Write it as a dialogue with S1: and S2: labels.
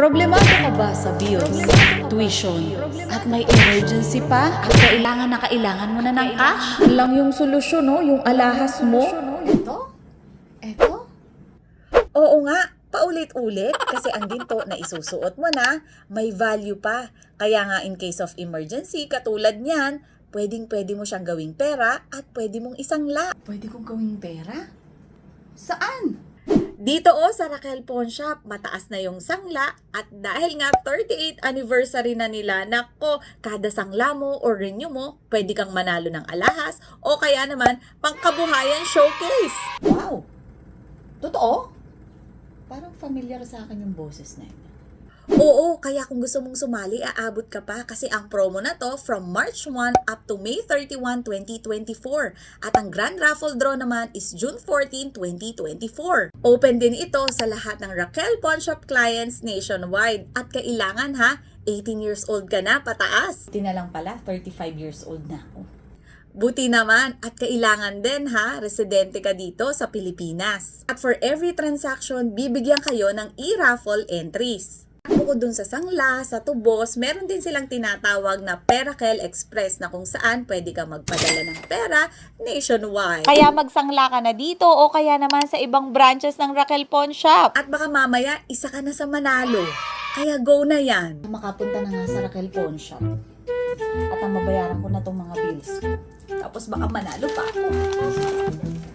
S1: Problemado ka ba sa bills, tuition, at may emergency pa at kailangan na kailangan mo na ng cash? Lang yung solusyon, no? Yung alahas mo.
S2: Ito? Ito? Oo nga, paulit-ulit kasi ang ginto na isusuot mo na may value pa. Kaya nga in case of emergency, katulad niyan, pwedeng-pwede mo siyang gawing pera at pwede mong isangla.
S1: Pwede kong gawing pera? Saan?
S2: Dito sa Raquel Pawn Shop, mataas na yung sangla at dahil nga 38th anniversary na nila, nako, kada sangla mo or renew mo, pwede kang manalo ng alahas o kaya naman pangkabuhayan showcase.
S1: Wow! Totoo? Parang familiar sa akin yung boses na yun.
S2: Oo, kaya kung gusto mong sumali, aabot ka pa kasi ang promo na to from March 1 up to May 31, 2024. At ang Grand Raffle Draw naman is June 14, 2024. Open din ito sa lahat ng Raquel Pawn Shop clients nationwide. At kailangan 18 years old ka na pataas.
S1: Di na lang pala, 35 years old na ako.
S2: Buti naman at kailangan din residente ka dito sa Pilipinas. At for every transaction, bibigyan kayo ng e-raffle entries. Bukod dun sa sangla, sa tubos, meron din silang tinatawag na Perakel Express na kung saan pwede ka magpadala ng pera nationwide.
S3: Kaya magsangla ka na dito o kaya naman sa ibang branches ng Raquel Pawn Shop.
S2: At baka mamaya, isa ka na sa manalo. Kaya go na yan.
S1: Makapunta na nga sa Raquel Pawn Shop. At ang mabayaran ko na tong mga bills ko. Tapos baka manalo pa ako.